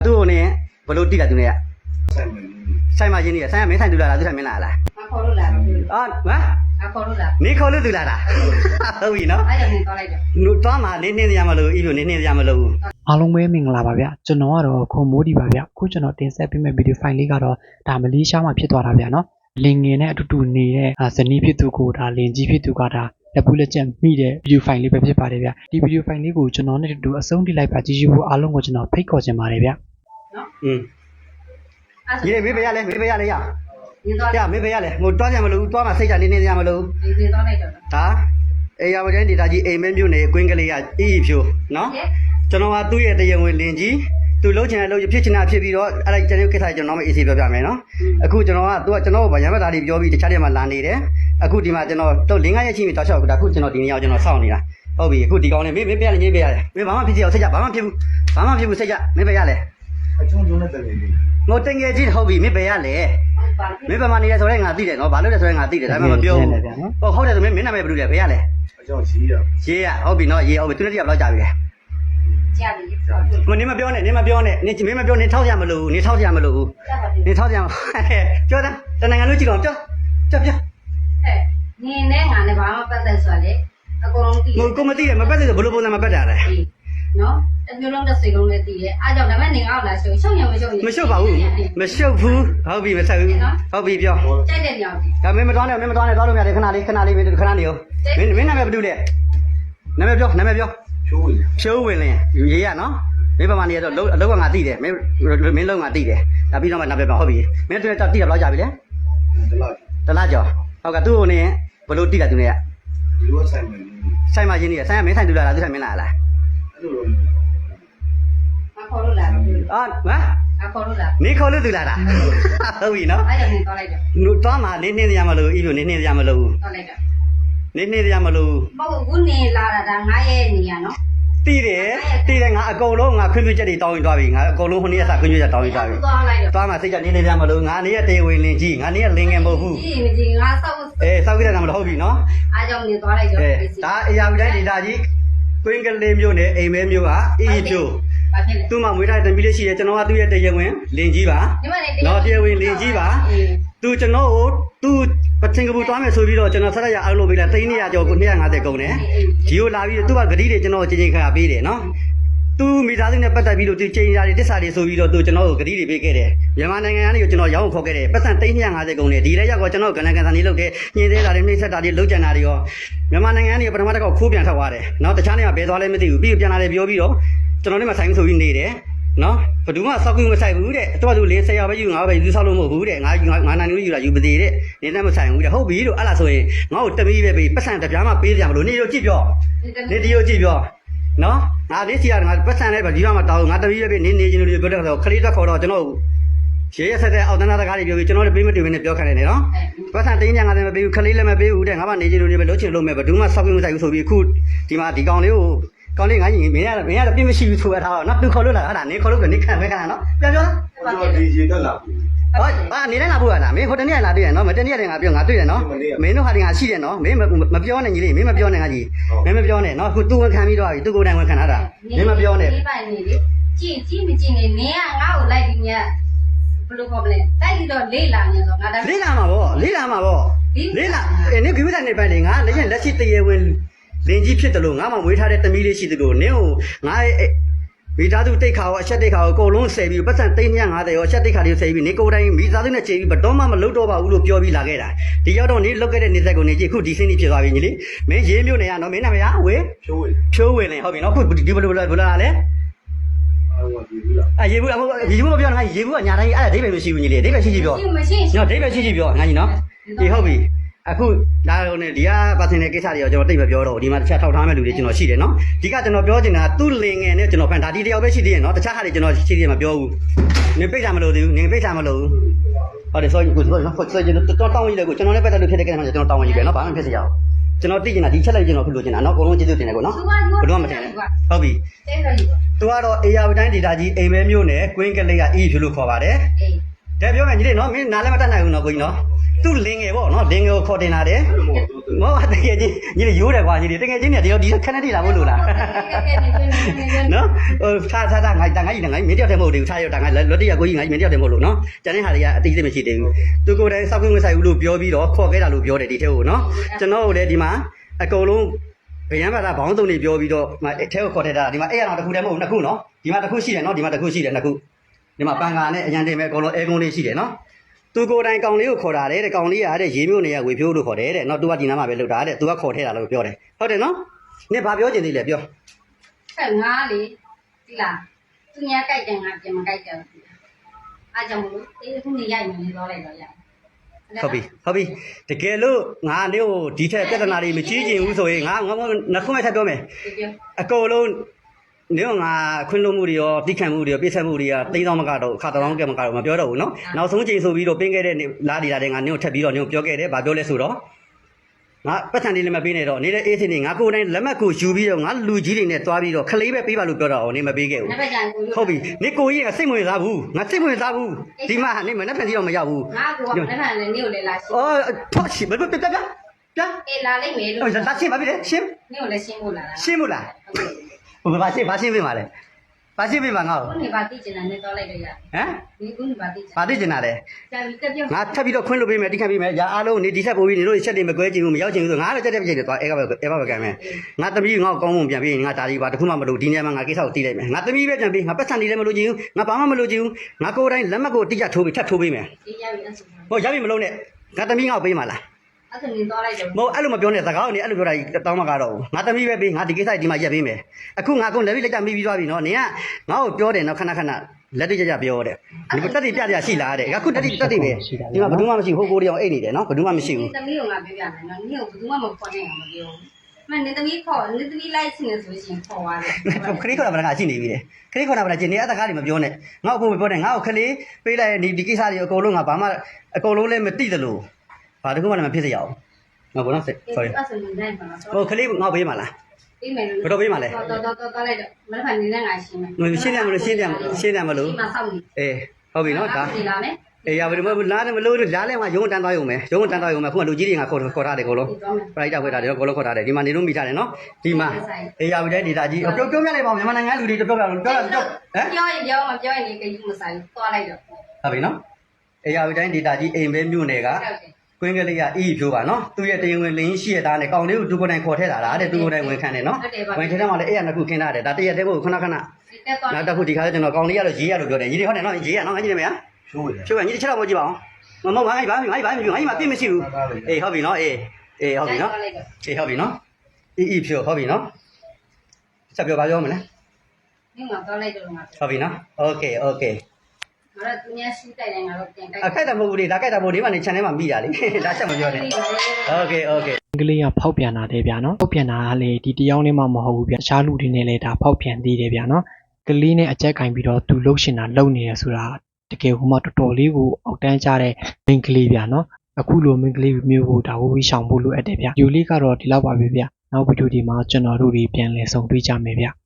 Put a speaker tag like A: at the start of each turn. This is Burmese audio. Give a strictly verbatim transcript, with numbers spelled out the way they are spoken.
A: သူ့နဲ့ဘလို့တိလာသူနဲ့ဆိုင်မှာရင်းနေရဆိုင်ကမင်းဆိုင်တူလာလားသူဆိုင်မင်းလာလား
B: အခေါ်လို့လာတော့
A: အာဟမ်
B: အခေါ်လို့လာ
A: နေခေါ်လို့သူလာတာဟုတ်ပြီနော်
B: အဲ့ဒါနဲ့တော့လိုက်တော့
A: လူသွားမှာနေနေရမလို့ဤလိုနေနေရမလို့
C: အားလုံးပဲမင်္ဂလာပါဗျကျွန်တော်ကတော့ခွန်မိုးဒီပါဗျအခုကျွန်တော်တင်ဆက်ပေးမယ့်ဗီဒီယိုဖိုင်လေးကတော့ဒါမလေးရှားမှာဖြစ်သွားတာဗျနော်လင်ငယ်နဲ့အတူတူနေတဲ့ဇနီးဖြစ်သူကိုဒါလင်ကြီးဖြစ်သူကဒါလက်ပူးလက်ချက်မိတဲ့ဗီဒီယိုဖိုင်လေးပဲဖြစ်ပါတယ်ဗျဒီဗီဒီယိုဖိုင်လေးကိုကျွန်တော်နဲ့အတူအဆုံးထိလိုက်ပါကြည့်ရှုဖို့အားလုံးကိုကျွန်တော်ဖိတ်ခေါ်ချင်ပါတယ်ဗျ
B: နော်
A: อืมရေမေးပေးရလဲမေးပေးရလဲရ
B: ဒီတော့
A: ရမေးပေးရလဲငိုတွားကြမလို့တွားမှာစိတ်ချနေနေရမလို့
B: ဒီဒီတော့လိုက်တော့
A: ဟာအေးရပါတဲ့ဒေတာကြီးအိမ်မဲမြို့နယ်ကွင်းကလေးကအီးဖြိုနော်ကျွန်တော်ကသူ့ရဲ့တရားဝင်လင်ကြီးသူလှုပ်ချင်တဲ့လှုပ်ဖြစ်ချင်တာဖြစ်ပြီးတော့အဲ့ဒါကျွန်တော်ကိစ္စကျွန်တော်မအေးစီပြောပြမယ်နော်အခုကျွန်တော်ကသူကကျွန်တော်ဗရမ်းမသားလေးပြောပြီးတခြားတွေမှာလာနေတယ်အခုဒီမှာကျွန်တော်တော့လင်းကားရဲ့ချင်းပြီးတောက်လျှောက်ဒါအခုကျွန်တော်ဒီနေ့ရောက်ကျွန်တော်စောင့်နေတာဟုတ်ပြီအခုဒီကောင်းလေးမေးမေးပြရလေမေးပြရလေမေးဘာမှဖြစ်စီအောင်စိတ်ကြဘာမှဖြစ်ဘူးဘာမှဖြစ်ဘူးစိတ်ကြမေးပြရလေ
D: အချုံချုံနဲ့တကယ်လေး
A: ငိုတင်ငယ်ကြီးဟုတ်ပြီမေးပြရလေမေးပါမနေရဆိုတော့ငါသိတယ်နော်ဘာလို့လဲဆိုတော့ငါသိတယ်ဒါမှမပြောဘူးဟုတ်ဟုတ်တယ်ဆိုမင်းမင်းနာမည်ဘယ်လိုလဲဘယ်ရလဲ
D: အကြောင်းရေးရ
A: ရေးရဟုတ်ပြီနော်ရေးဟုတ်ပြီသူနဲ့တယောက်လောက်ကြာပြီလေ
B: ကြာပြီ
A: မနေမပြောနဲ့နေမပြောနဲ့နေမင်းမပြောနေထောက်ရမလို့နေထောက်ရမလို့နေထောက်ရမပြောတာတနိုင်ငံလုံးကြည့်တော့ပြောပြောပြော
B: ဟဲ့နင်းနဲ့ငါနဲ့ဘာမှပတ်သက်ဆိုလေအကုန်လုံးသိ
A: တယ်ကိုမသိတယ်မပတ်သက်ဆိုဘလို့ပုံစံမပတ်တာလဲ
B: နော်တမျိုးလုံးတစ်စိတ်လုံးလည်းသိတယ်အားကြောင့်ဒါမဲ့နေငါ့ကိုလာရှုံရှုံရမရှုံ
A: မရှုပ်ပါဘူးမရှုပ်ဘူးဟုတ်ပြီမဆက်ဘူးဟုတ်ပြီပြော
B: ကြိုက်တဲ့ညောင်
A: ဒါမင်းမတော်နဲ့မင်းမတော်နဲ့တော်လို့ရတယ်ခဏလေးခဏလေးမင်းခဏနေရောမင်းမင်းနာမည်ဘာလို့လဲနာမည်ပြောနာမည်ပြော
D: ဖြိုးဝင်
A: ဖြိုးဝင်လင်းရေးရနော်မင်းပမာနေရတော့အလုပ်ကငါသိတယ်မင်းမင်းလုံးငါသိတယ်ဒါပြီးတော့မှနာမည်ပြောဟုတ်ပြီမင်းတို့တိရဘလောက်ကြာပြီလဲ
D: တလား
A: တလားကျော်ဟုတ်ကဲ့သူ့ကိုနေဘလို့တိလာသူနဲ့က
D: ဒီလိုဆိုင်မှာ
A: ဆိုင်မှာရင်းနေရဆိုင်ကမင်းဆိုင်တူလာလားသူဆိုင်မင်းလာလား
D: အဲ့လို
B: အခေါ်လို့လာတော့
A: အာဟမ်
B: အခေါ်လို့လာ
A: နေခေါ်လို့သူလာတာဟုတ်ပြီနော်
B: အဲ့ဒါနဲ့တော့လိုက်တော့
A: လူသွားမှာနေနေရမလို့ဤလိုနေနေရမလို့
B: တော့လိုက်တော့
A: နေနေရမလို့
B: မဟုတ်ဘူးနေလာတာဒါငါရဲ့နေရနော်
A: တီးတယ်တီးတယ်ငါအကုန်လုံးငါခွင့်ပြုချက်တွေတောင်းရင်သွားပြီငါအကုန်လုံးဟိုနေ့ကစခွင့်ပြုချက်တောင်းရင်သွားပြီ
B: သွားလိုက်တော့
A: သွားမှာစိတ်ကြနေနေရမလို့ငါနေရတေဝင်လင်းကြီးငါနေရလင်းငယ်မဟုတ်ဘူး
B: ကြီးမကြီးငါစောက်
A: အေးစောက်ကြတာမဟုတ်ပြီနော်
B: အားကြောင့်နေသွားလိုက်တော့
A: ဒါအရာဝတိုင်းဒေတာကြီးကွင်းကလေးမျိုးနဲ့အိမ်မဲမျိုးကအီးဖြိုးသူ့မှာမွေးထားတဲ့တမီးလေးရှိတယ်ကျွန်တော်ကသူ့ရဲ့တရားဝင်လင်းကြီးပါနော်တရားဝင်လင်းကြီးပါသူကျွန်တော်ကိုသူပချင်းကပူတွားမယ်ဆိုပြီးတော့ကျွန်တော်ဆက်ရအောင်လုပ်ပေးလိုက်သိန်းနေရကျော်ကိုနှစ်ရာငါးဆယ်ကုန်တယ်ဂျီကိုလာပြီးသူကဂတိတွေကျွန်တော်ချင်းချင်းခါပေးတယ်နော်သူမိသားစုနဲ့ပတ်သက်ပြီးတော့သူချင်းရာတွေတစ္ဆာတွေဆိုပြီးတော့သူကျွန်တော်ကိုဂတိတွေပေးခဲ့တယ်မြန်မာနိုင်ငံကနေကျွန်တော်ရောင်းခေါ်ခဲ့တယ်ပတ်စံသိန်းနှစ်ရာငါးဆယ်ကုန်တယ်ဒီလည်းရောက်တော့ကျွန်တော်ကဏ္ဍကန်စာနေလုပ်ခဲ့ညင်သေးတာတွေနှိမ့်ဆက်တာတွေလုပ်ကြံတာတွေရောမြန်မာနိုင်ငံကနေပထမတစ်ခေါက်ခိုးပြန်ထွက်သွားတယ်နော်တခြားနေရာဘယ်သွားလဲမသိဘူးပြီးပြန်လာတယ်ပြောပြီးတော့ကျွန်တော်နဲ့မှဆိုင်ဆိုပြီးနေတယ်နော်ဘယ်သူမှစောက်ကူမဆိုင်ဘူးတဲ့တော်သူလေးဆယ်ယောက်ပဲယူငါပဲယူဆောက်လို့မဟုတ်ဘူးတဲ့ငါငါနိုင်လို့ယူတာယူပသေးတဲ့နေနဲ့မဆိုင်ဘူးတဲ့ဟုတ်ပြီလို့အဲ့လားဆိုရင်ငါ့ကိုတမီးပဲပြီးပတ်စံတပြားမှပေးကြမလို့နေတော့ကြည့်ပြောနေဒီကိုကြည့်ပြောနော်ငါလေးစီကငါပတ်စံလည်းဒီဘက်မှာတောင်းငါတမီးပဲပြီးနေနေချင်းလို့ပြောတဲ့ဆိုခလေးတက်ခေါ်တော့ကျွန်တော်ရေရဆက်တဲ့အောက်တန်းသားတကားတွေပြောပြီးကျွန်တော်လည်းပေးမတူဘဲနဲ့ပြောခိုင်းနေတယ်နော်ပတ်စံတင်းညာငါလည်းမပေးဘူးခလေးလည်းမပေးဘူးတဲ့ငါမှနေချင်းလို့ပဲလုံးချင်လို့မဲ့ဘယ်သူမှစောက်ကူမဆိုင်ဘူးဆိုပြီးအခုဒီမှာဒီကောင်လေးကိုကောင်းလေးငါကြီးမင်းရမင်းရတော့ပြင်းမရှိဘူးဆိုရထားတော့နော်သူခေါ်လို့လာဟာနေခေါ်လို့ကနေခံပဲခံနော်ပြောပြော
D: ဒီရေတက်လာပြီ
A: ဟောအာနေတိုင်းလာဖို့လားမင်းဟိုတနေ့လာတွေ့ရနော်မတနေ့တည်းငါပြောငါတွေ့တယ်နော်မင်းတို့ဟာဒီငါရှိတယ်နော်မင်းမပြောနဲ့ကြီးလေးမင်းမပြောနဲ့ငါကြီးမင်းမပြောနဲ့နော်အခုသူဝန်ခံပြီးတော့ပြီသူကိုယ်တိုင်ဝန်ခံထားတာမင်းမပြောနဲ့
B: ဒီပိုင်နေလေကြည့်ကြည့်မကြည့်နေနင်းကငါ့ကိုလိုက်ပြီးမြတ်ဘယ်လိုခေါ်မလဲတိုက်ပြီးတော့လေးလာနေဆိုငါ
A: လေးလာမှာဗောလေးလာမှာဗောလေးလာအဲနင်းကိဝိတိုင်းနေပိုင်နေငါလက်ရင်လက်ရှိတရေဝင်လင်းကြီးဖြစ်တယ်လို့ငါမှမွေးထားတဲ့တမီးလေးရှိတယ်လို့နင်းကိုငါမိသားစုတိတ်ခါရောအချက်တိတ်ခါရောအကုန်လုံးဆယ်ပြီးပတ်စံသိန်းငါးဆယ်ရောအချက်တိတ်ခါတွေဆယ်ပြီးနေကိုယ်တိုင်မိသားစုနဲ့ချိန်ပြီးဘတော်မှမလုပ်တော့ပါဘူးလို့ပြောပြီးလာခဲ့တာဒီရောက်တော့နေလုတ်ခဲ့တဲ့နေဆက်ကိုနေကြည့်အခုဒီစင်းကြီးဖြစ်သွားပြီညီလေးမင်းရေးမျိုးနေရနော်မင်းနာမည်ကဝေ
D: ဖြိုးဝင်
A: ဖြိုးဝင်လင်းဟုတ်ပြီနော်အခုဒီဘလိုဘလိုဘလိုလာလဲ
D: အာ
A: ရေဘူးလားအဲရေဘူးရေဘူးမပြောနဲ့ငါရေဘူးကညာတိုင်းအဲ့ဒါဒိဗယ်မရှိဘူးညီလေးဒိဗယ်ရှိရှိပြော
B: မရှိ
A: နော်ဒိဗယ်ရှိရှိပြောငါကြီးနော်ဒီဟုတ်ပြီအခုလာတော့ねဒီကပါစင်တဲ့ကိစ္စတွေရောကျွန်တော်တိတ်မပြောတော့ဒီမှာတခြားထောက်ထားမဲ့လူတွေကျွန်တော်ရှိတယ်နော်ဒီကကျွန်တော်ပြောချင်တာသူ့လင်ငယ်နဲ့ကျွန်တော်ဖန်ဒါဒီတယောက်ပဲရှိသေးတယ်နော်တခြားဟာတွေကျွန်တော်ရှိသေးတယ်မပြောဘူးနင်ပိတ်တာမလို့သေးဘူးနင်ပိတ်တာမလို့ဟုတ်တယ်ဆိုရင်ကိုဆိုနော်ဆိုရင်တော့တောင်းရည်လေကိုကျွန်တော်လည်းပတ်သက်လို့ဖြစ်တဲ့ကိစ္စမှာကျွန်တော်တောင်းရည်ပဲနော်ဘာမှဖြစ်စရာကျွန်တော်သိချင်တာဒီချက်လိုက်ကျွန်တော်ဖြစ်လို့ချင်တာနော်အကုန်လုံးကျေးဇူးတင်တယ်ကိုနော်ဘယ်တော့မှမတင်နဲ့ဟုတ်ပြီသူကတော့အေယာဝတိုင်းဒေတာကြီးအိမ်မဲမျိုးနဲ့ကွင်းကလေးကအီးဖြူလို့ခေါ်ပါတယ်တဲ့ပြောမယ်ညီလေးနော်မင်းနားလည်းမတတ်နိုင်ဘူးနော်ကိုကြီးနော်သူ့လင်ငယ်ပေါ့နော်လင်ငယ်ကိုခေါ်တင်လာတယ်မောတကယ်ချင်းညီလေးရိုးတယ်ကွာညီလေးတကယ်ချင်းเนี่ยဒီတော့ဒီခက်နေတိလာဖို့လို့လားနော်ဟိုထားထားထားငါတန်ငါကြီးငါမင်းတယောက်တည်းမဟုတ်သေးဘူးထားရတာငါလော်တရကိုကြီးငါမင်းတယောက်တည်းမဟုတ်လို့နော်ကျန်တဲ့ဟာတွေကအတိအကျမရှိသေးဘူးသူကိုယ်တိုင်စောက်ခွင့်မဆိုင်ဘူးလို့ပြောပြီးတော့ခေါ်ခဲ့တာလို့ပြောတယ်ဒီထဲကိုနော်ကျွန်တော်တို့လည်းဒီမှာအကုန်လုံးဗယံဘာသာဘောင်းသုံးနေပြောပြီးတော့ဒီထဲကိုခေါ်ထည့်တာဒီမှာအဲ့ရအောင်တစ်ခုတည်းမဟုတ်နှစ်ခုနော်ဒီမှာတစ်ခုရှိတယ်နော်ဒီမှာတစ်ခုရှိတယ်နှစ်ခုဒီမှာပန်ကာနဲ့အရန်တင်မဲ့အကုန်လုံးအဲကုန်းလေးရှိတယ်နော်သူကိုယ်တိုင်ကောင်လေးကိုခေါ်တာတဲ့ကောင်လေးရတဲ့ရေမျိုးနေရဝေဖြိုးလို့ခေါ်တယ်တဲ့နော်သူကဒီနားမှာပဲလောက်တာတဲ့သူကခေါ်ထည့်တာလို့ပြောတယ်ဟုတ်တယ်နော်နင်ဘာပြောချင်သေးလဲပြော
B: အဲ့ငါလေဒီလားသူညာကြိုက်တယ်ငါပြန်မကြိုက်တယ်အားကြောင့်မလို့အေးခုနေရိုက်နေတော့လိုက်တော့ရ
A: ဟုတ်ပြီဟုတ်ပြီတကယ်လို့ငါနေကိုဒီထက်ပြဿနာတွေမကြီးကျင်ဘူးဆိုရင်ငါငါနှစ်ခုမဲ့ထပ်ပြောမယ်အကုန်လုံးနေကငါခွင့်လို့မှုတွေရောတိခံမှုတွေရောပြည့်စုံမှုတွေကတိန်းသောမကတော့ခါတောင်းကဲမကတော့မပြောတော့ဘူးနော်နောက်ဆုံးချိန်ဆိုပြီးတော့ပင်းခဲ့တဲ့လာဒီလာတဲ့ငါနေကိုထပ်ပြီးတော့နေကိုပြောခဲ့တယ်ဗာပြောလဲဆိုတော့ငါပတ်စံလေးလည်းမပေးနဲ့တော့နေတဲ့အေးစင်းနေငါကိုယ်တိုင်လက်မှတ်ကိုယူပြီးတော့ငါလူကြီးတွေနဲ့တွားပြီးတော့ခလေးပဲပေးပါလို့ပြောတော့နေမပေးခဲ့ဘူးဟုတ်ပြီနေကိုကြီးကစိတ်ဝင်စားဘူးငါစိတ်ဝင်စားဘူးဒီမှာနေမနဲ့ဖန်စီတော့မရောက်ဘူး
B: ငါကလည်းအဲ့ဒါလည်းနေကိုလည်းလာရှင်း
A: အော်ထောက်ရှိဘယ်ပြပြပြပြ
B: အေးလာလိုက်မယ်လို့
A: ဟိုလာရှင်းပါပြီလေရှင်း
B: နေကိုလည်းရှင်းဖို့လာတာ
A: ရှင်းမို့လားဟိုဘာရှင်းဘာရှင်းပေးပါလဲဘာရှင်းပေးပါငါ့ကို
B: ခုနေပါတိကျင်တာနဲ့တော့လိုက်တော့ရ
A: ဟမ်
B: ဒီခုနေပါတိကျင်
A: ဘာသိကျင်တာလဲ
B: ကြာပြီတက်ပြော
A: ငါထပ်ပြီးတော့ခွင့်လို့ပေးမယ်တိခတ်ပေးမယ်ရာအားလုံးနေဒီဆက်ပို့ပြီးနေလို့ချက်တွေမကွဲချင်ဘူးမရောက်ချင်ဘူးဆိုငါလည်းတက်တက်ပြည့်တယ်သွားအဲကပဲအဲပဲကံမယ်ငါသမီးငါ့ကိုကောင်းမွန်ပြန်ပြီးငါဒါဒီပါတခုမှမလုပ်ဒီနေရာမှာငါကိစ္စကိုတီးလိုက်မယ်ငါသမီးပဲပြန်ပြီးငါပတ်စံနေလည်းမလုပ်ချင်ဘူးငါဘာမှမလုပ်ချင်ဘူးငါကိုယ်တိုင်လက်မှတ်ကိုတိကျထိုးပြီးထပ်ထိုးပေးမယ်
B: ဒီရပြီအဲ့ဆို
A: ဟိုရပြီမလုပ်နဲ့ငါသမီးငါ့ကိုပေးမှာလား
B: အဲ့ဆိုနေတော့လိုက်တော့
A: မဟုတ်အဲ့လိုမပြောနဲ့စကားကိုနေအဲ့လိုပြောတာတောင်းမကတော့ငါသမီးပဲပေးငါဒီကိစ္စဒီမှာရက်ပေးမယ်အခုငါကုန်လက်ပြီးလက်ကြမိပြီးသွားပြီနော်နင်ကငါ့ကိုပြောတယ်နော်ခဏခဏလက်တိကျကျပြောတယ်ဒီတက်တိပြပြရှိလားတဲ့အခုတက်တိတက်တိပဲဒီမှာဘယ်သူမှမရှိဘူးဟိုကိုတယောက်အိတ်နေတယ်နော်ဘယ်သူမှမရှိဘူး
B: သမီးကငါပြောပြမယ်နော်နင်ကိုဘယ်သူမှမခေါ်နိုင်အောင်မပြောမနင်သမီးခေါ်နင်သမီးလိုက်ရှင်နေဆိုရှင်ခေါ်သွားတယ်
A: ခရီးခေါ်တာဗလားငါရှိနေပြီလေခရီးခေါ်တာဗလားကျင်နေအတကားတွေမပြောနဲ့ငါ့အဖို့မပြောနဲ့ငါ့ကိုခလေးပေးလိုက်ဒီဒီကိစ္စတွေအကုန်လုံးငါဘာမှအကုန်လုံးလည်းမသိသလိုဘာတခုမှလည်းမဖြစ်စေရအောင်ငါဘောနော် sorry
B: အဲ့ဆိုနေနိုင်ပါလား
A: ဟိုခလေးငါ့ပေးမှာလား
B: ပေးမယ်လို့
A: ဘယ်တော့ပေးမှာလဲ
B: တော်တော်တော်တော်လိုက်တော့မနေ့ကနေနဲ့ငါရှင်းမယ်
A: ငါရှင်းတယ်မလို့ရှင်းတယ်ရှင်းတယ်မလို့
B: ဒီမှာစောင့်နေ
A: အေးဟုတ်ပြီနော်ဒါ
B: ဒီလာမယ်
A: အေးရပါဒီမလားတယ်မလို့လားလဲမှာရုံးတန်းသွားရုံပဲရုံးတန်းသွားရုံပဲခုကလူကြီးတွေကခေါ်ခေါ်ထားတယ်ကိုလုံးပရိုက်တာခွဲထားတယ်ကိုလုံးခေါ်ထားတယ်ဒီမှာနေလို့မိထားတယ်နော်ဒီမှာအေးရပါတဲ့ဒေတာကြီးပြောပြောပြလိုက်ပါဦးမြန်မာနိုင်ငံလူတွေပြောပြပြောပြောပြောဟမ်
B: ပြောရင်ပြောမပြောရင်ဒီကယူမဆိုင်သွားလိုက်တော့
A: ဟုတ်ပြီနော်အေးရပါတဲ့ဒေတာကြီးအိမ်ပဲမြို့နယ်ကကွင်းကလေးကအီးဖြိုးပါနော်သူ့ရဲ့တရားဝင်လင်းရှိရတာနဲ့ကောင်လေးကိုသူကိုယ်တိုင်ခေါ်ထည့်တာလားတဲ့သူကိုယ်တိုင်ဝင်ခံတယ်နော်ဝင်ထည့်တယ်မှလည်းအဲ့ရနှစ်ခုခင်းထားတယ်ဒါတရက်တည်းကိုခဏခဏနောက်တစ်ခုဒီခါကျကျွန်တော်ကောင်လေးရတော့ရေးရလို့ပြောတယ်ရေးရဟုတ်တယ်နော်ရေးရနော်ငါကြည့်နေမလား
D: ချိုးရ
A: ချိုးကညီတစ်ချက်တော့မကြည့်ပါအောင်မမငါ့ဘာငါ့ဘာငါ့ဘာငါ့မှာပြည့်မရှိဘူးအေးဟုတ်ပြီနော်အေးအေးဟုတ်ပြီနော်အေးဟုတ်ပြီနော်အီအီဖြိုးဟုတ်ပြီနော်ဆက်ပြောပါပြောမလဲ
B: ဒီမှာသွားလိုက်တော့ငါ
A: ဟုတ်ပြီနော်โอเคโอเค
B: ငါတို့သူများရှိတိုက်တယ်ငါတို့ပြန်တိုက်
A: အခိုက်တမဟုတ်ဘူးလေဒါခိုက်တမဟုတ်ဒီမှာနေ channel မှာမိတာလေဒါချက်မပြောနဲ့โอเคโอเค
C: အင်္ဂလိပ်ကဖောက်ပြန်တာတဲ့ဗျာနော်ဖောက်ပြန်တာကလေဒီတယောက်နဲ့မှမဟုတ်ဘူးဗျာတခြားလူတွေနဲ့လည်းဒါဖောက်ပြန်သေးတယ်ဗျာနော်ကလေးနဲ့အကြက်ကင်ပြီးတော့သူလှုပ်ရှင်တာလှုပ်နေရဆိုတာတကယ်ဟိုမှာတော်တော်လေးကိုအောက်တန်းကြတဲ့မိန်းကလေးဗျာနော်အခုလိုမိန်းကလေးမျိုးကိုဒါဝဝီရှောင်ဖို့လိုအပ်တယ်ဗျာယူလေးကတော့ဒီလောက်ပါပဲဗျာနောက်ဗီဒီယိုဒီမှာကျွန်တော်တို့တွေပြန်လည်ဆုံတွေ့ကြမယ်ဗျာ